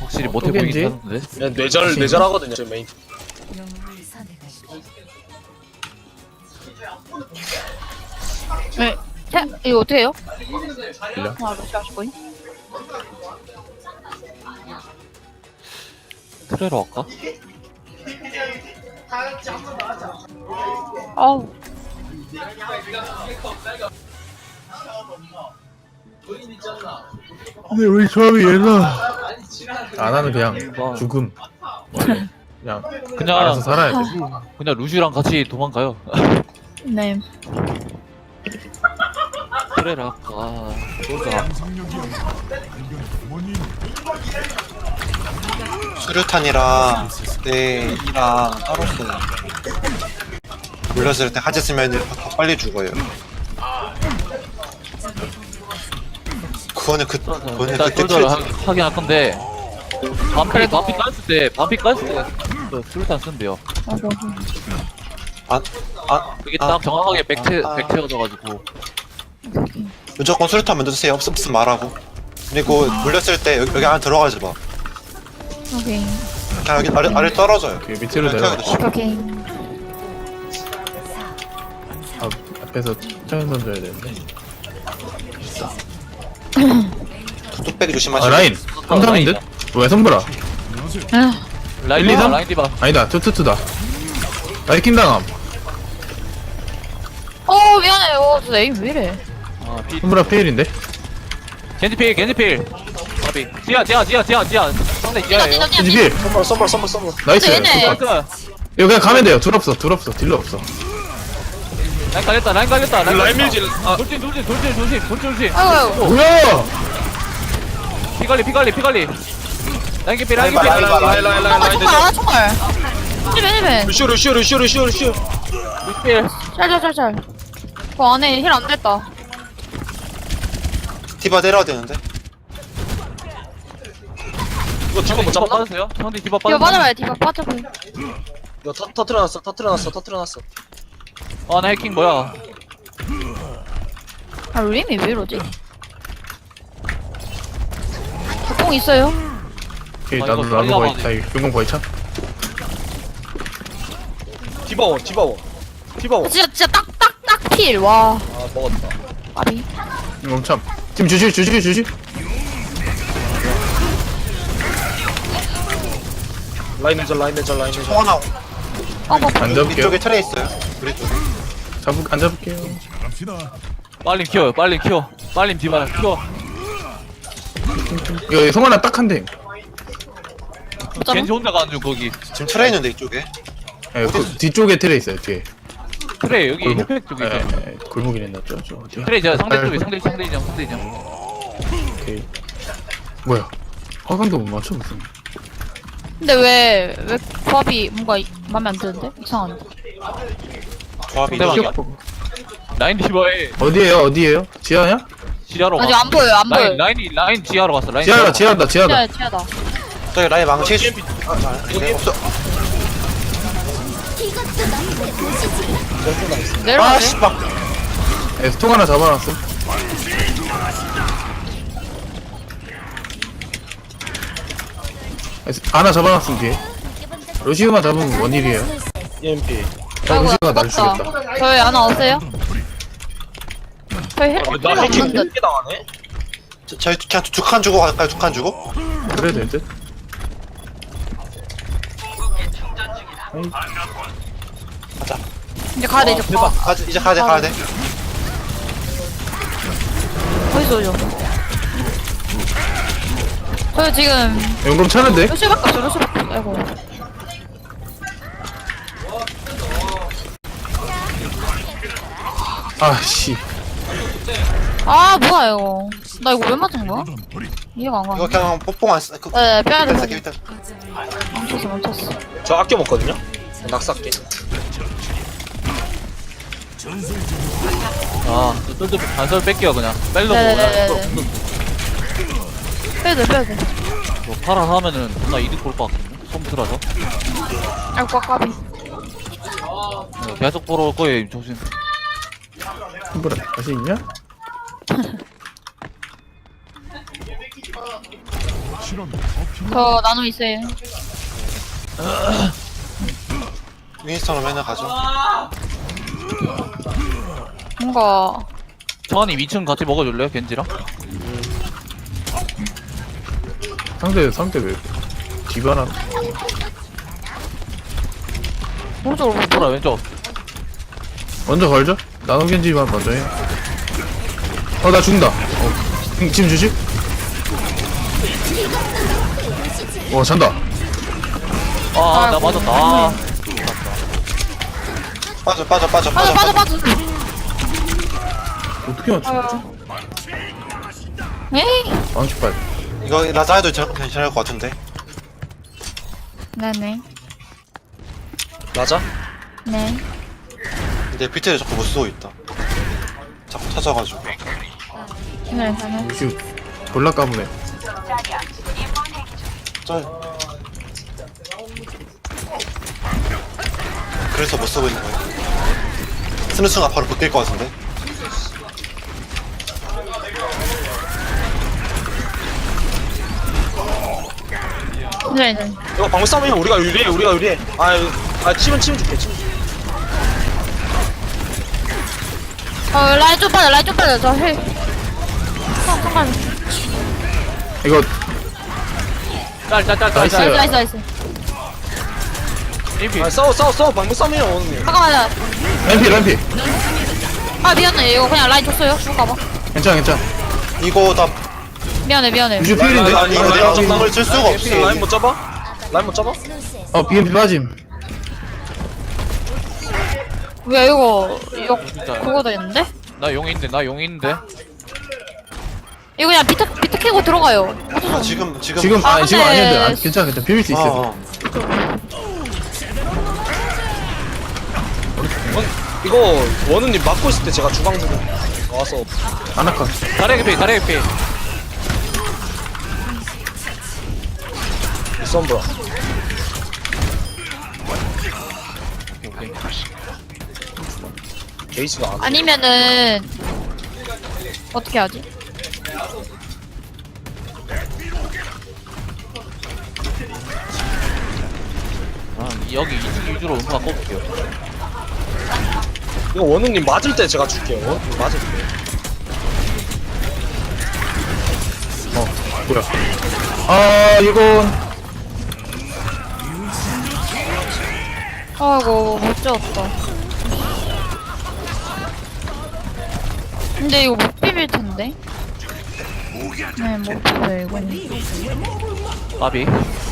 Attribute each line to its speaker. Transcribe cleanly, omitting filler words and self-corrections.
Speaker 1: 확실히 못해 보이긴 하는데.
Speaker 2: 그냥 뇌절하거든요 저 메인.
Speaker 3: 네. 이거 어떻게 해요?
Speaker 1: 빌려?
Speaker 3: 루시 하시고요.
Speaker 1: 트레로 할까?
Speaker 3: 아우.
Speaker 4: 근데 우리 조합이 얘가 안 하는 그냥 죽음. 그냥
Speaker 1: 그냥
Speaker 4: 알아서 살아야 돼.
Speaker 1: 그냥 루시랑 같이 도망가요.
Speaker 3: 네.
Speaker 1: 트레를 할까? 그러자.
Speaker 5: 수류탄이랑 뇌이랑 따로 쓰는 물렸을 때 하지 쓰면 더 빨리 죽어요. 그거는
Speaker 1: 일단
Speaker 5: 그때
Speaker 1: 솔저를 하긴 할 건데 반피 깠을 때 그 수류탄 쓴대요. 그게 딱 정확하게 백채워져가지고.
Speaker 5: 무조건 수류탄 먼저 쓰세요. 없으면 말하고. 그리고 물렸을 때 여기 안에 들어가지 마.
Speaker 3: 오케이.
Speaker 5: 그냥 여기 아래 떨어져요.
Speaker 4: 그 밑으로 내려가.
Speaker 3: 오케이.
Speaker 4: 앞에서 차연 던져야 되는데.
Speaker 5: 뚝배기
Speaker 4: 아
Speaker 5: 조심하시고.
Speaker 4: 라인. 삼삼인데? 왜 성불아?
Speaker 1: 라인
Speaker 4: 1, 2, 3?
Speaker 1: 라인 디바.
Speaker 4: 아니다. 투투투다. 나이킹 당함.
Speaker 3: 미안해. 저 에임 왜 이래?
Speaker 1: 아, 피.
Speaker 4: 성불아 페일인데?
Speaker 1: 겐지필. 바비. 지하. 상대 지하예요.
Speaker 4: 겐지 필.
Speaker 2: 썸벌.
Speaker 4: 나이스.
Speaker 3: 얘네.
Speaker 4: 이거 그냥 가면 돼요. 둘 없어. 딜러 없어.
Speaker 1: 라인 갈렸다.
Speaker 2: 라인 밀지. 아
Speaker 1: 돌진.
Speaker 3: 아이고.
Speaker 4: 뭐야?
Speaker 1: 피갈리. 라인 개피.
Speaker 2: 라인.
Speaker 3: 정말. 힐벤.
Speaker 2: 루시오.
Speaker 1: 루필.
Speaker 3: 짤. 그 안에 힐 안 됐다.
Speaker 5: 디바 내려야 되는데.
Speaker 2: 이거 디바 못 잡나?
Speaker 1: 빠졌어요? 형들 디바
Speaker 3: 이거
Speaker 1: 빠졌어요?
Speaker 3: 맞아봐요. 디바 빠져봐요.
Speaker 2: 이거 터트려놨어.
Speaker 1: 나 해킹 뭐야?
Speaker 3: 림이 왜 이러지? 뽕 있어요?
Speaker 4: 오케이
Speaker 1: 아,
Speaker 4: 나도
Speaker 1: 이거 빨리
Speaker 4: 거의
Speaker 1: 나가야
Speaker 4: 다 용공 거의 차.
Speaker 2: 디바원.
Speaker 3: 진짜 딱 필. 와.
Speaker 2: 아 먹었다.
Speaker 3: 아비.
Speaker 4: 용공 참. 지금 주시.
Speaker 2: 라인 내절.
Speaker 5: 통화나
Speaker 4: 안 잡을게요.
Speaker 5: 이쪽에 트레 있어요. 우리 쪽에.
Speaker 4: 안 잡을게요.
Speaker 1: 빨리 키워. 빨리 디바 키워.
Speaker 4: 이거 성환아 딱 한 대.
Speaker 1: 겐지 혼자 가는 중 거기.
Speaker 5: 지금 트레 있는데 이쪽에.
Speaker 4: 예, 그 뒤쪽에 트레 있어요. 뒤에.
Speaker 1: 트레 여기
Speaker 4: 골목.
Speaker 1: 힐팩 쪽에 있어.
Speaker 4: 골목이네 놨죠. 저 어디야?
Speaker 1: 트레 저 상대 쪽에
Speaker 4: 아이고.
Speaker 1: 상대이점.
Speaker 4: 오케이. 뭐야? 화관도 못 맞춰 무슨?
Speaker 3: 근데 왜 조합이 뭔가 맘에 안 드는데? 이상한데.
Speaker 5: 조합이
Speaker 1: 상대방이야? 라인 디바에
Speaker 4: 어디에요? 지하냐?
Speaker 1: 지하로
Speaker 3: 아직
Speaker 1: 가.
Speaker 3: 안 보여.
Speaker 1: 라인 지하로 갔어. 라인
Speaker 4: 지하다.
Speaker 3: 지하다.
Speaker 5: 저기 라인 망치. 없어.
Speaker 3: 내려가네.
Speaker 5: 막.
Speaker 4: 스통 하나 잡아놨어. 하나 잡아놨음 뒤에. 루시우만 잡으면 원일이에요.
Speaker 2: EMP.
Speaker 4: 루시우가 날 죽였다.
Speaker 3: 저희 하나 없어요? 저희 힐
Speaker 2: 나 해킹
Speaker 3: 없는 듯.
Speaker 2: 이렇게 당하네.
Speaker 5: 저희 그냥 두 칸 주고 갈까요? 두 칸 주고?
Speaker 4: 그래야 될 듯.
Speaker 3: 이제 가야 돼. 이제
Speaker 5: 대박. 이제 가야 돼.
Speaker 3: 어디서 오죠? 저 지금
Speaker 4: 용검 차는데?
Speaker 3: 루시밖에 없어. 루시밖에 없어. 아이고.
Speaker 4: 아씨.
Speaker 3: 아 뭐야 이거. 나 이거 왜 맞은 거야? 이해가 안
Speaker 5: 이거
Speaker 3: 가.
Speaker 5: 그냥 뽀뽕 안 쓰.
Speaker 3: 네, 빼야 돼.
Speaker 5: 일단 일단.
Speaker 3: 멈췄어.
Speaker 2: 저 아껴 먹거든요. 낙사게.
Speaker 1: 쫄쫄 반설 뺄게요 그냥. 뺄려고
Speaker 3: 네네네네.
Speaker 1: 그냥.
Speaker 3: 빼야 돼.
Speaker 1: 뭐 파라 하면은 존나 이득 볼 것 같거든요. 솜트라서.
Speaker 3: 아이고 까비.
Speaker 1: 계속 보러 올 거예요. 조심.
Speaker 4: 뭐라 다시 있냐?
Speaker 3: 저 나노 있어요.
Speaker 5: 윈스턴은 맨날 가죠.
Speaker 3: 뭔가
Speaker 1: 정한이 2층 같이 먹어줄래요 겐지랑?
Speaker 4: 상대 왜 디바나
Speaker 3: 오른쪽으로
Speaker 1: 돌아 왼쪽.
Speaker 4: 먼저 걸죠? 나노겐지만 먼저 해. 나 죽는다. 지금 주지? 잔다.
Speaker 1: 나 맞았다. 아,
Speaker 5: 빠져.
Speaker 3: 빠져.
Speaker 4: 어떻게 맞춰?
Speaker 3: 에이.
Speaker 4: 망치 빨리.
Speaker 5: 이거 라자에도 괜찮을 것 같은데.
Speaker 3: 네네.
Speaker 2: 맞아?
Speaker 3: 네.
Speaker 5: 근데 비트를 자꾸 못 쓰고 있다. 자꾸 터져가지고.
Speaker 3: 네.
Speaker 4: 루시우 졸라 까부네.
Speaker 5: 그래서 못 쓰고 있는 거야. 쓰는 순간 바로 바뀔 것 같은데.
Speaker 3: 네.
Speaker 2: 이거 방금 싸우면 우리가 유리해. 치면 줄게, 치면 줄게.
Speaker 3: 라인 좀 빠져. 저 힐. 잠깐.
Speaker 4: 이거
Speaker 1: 짤.
Speaker 4: 나이스.
Speaker 3: 나이스.
Speaker 1: 인피.
Speaker 2: 싸워. 방금 싸우면 오는
Speaker 3: 잠깐만.
Speaker 4: 램피.
Speaker 3: 아 미안해. 이거 그냥 라인 줬어요. 죽을까봐.
Speaker 4: 괜찮아.
Speaker 5: 이거 다
Speaker 3: 미안해.
Speaker 4: 루시우 필인데?
Speaker 2: 아니,
Speaker 5: 이거
Speaker 2: 라인
Speaker 5: 내가
Speaker 2: 잡나?
Speaker 5: 공을 쓸 수가 없어.
Speaker 2: 라인 못 잡아? 라인 못 잡아?
Speaker 4: BMP 빠짐.
Speaker 3: 왜 이거
Speaker 1: 진짜.
Speaker 3: 그거 되는데?
Speaker 1: 나 용인데.
Speaker 3: 이거 그냥 비트 캐고 들어가요.
Speaker 5: 지금
Speaker 4: 지금
Speaker 3: 아,
Speaker 4: 지금
Speaker 3: 근데-
Speaker 4: 아니었는데 괜찮아. 비빌 수 있어.
Speaker 2: 이거 원우님 막고 있을 때 제가 주방 주고 와서
Speaker 4: 아나카.
Speaker 1: 다리 개피.
Speaker 2: 썸브라.
Speaker 1: 오케이.
Speaker 2: 게이지가 안 돼.
Speaker 3: 아니면은 어떻게 하지?
Speaker 1: 여기 2층 위주로 음파 꼽을게요.
Speaker 2: 이거 원우님 맞을 때 제가 줄게요. 원우님 맞을 때.
Speaker 4: 뭐야? 이건
Speaker 3: 아이고 못 지웠다. 근데 이거 못 비빌 텐데. 네, 못 비벼 이거는.
Speaker 1: 까비.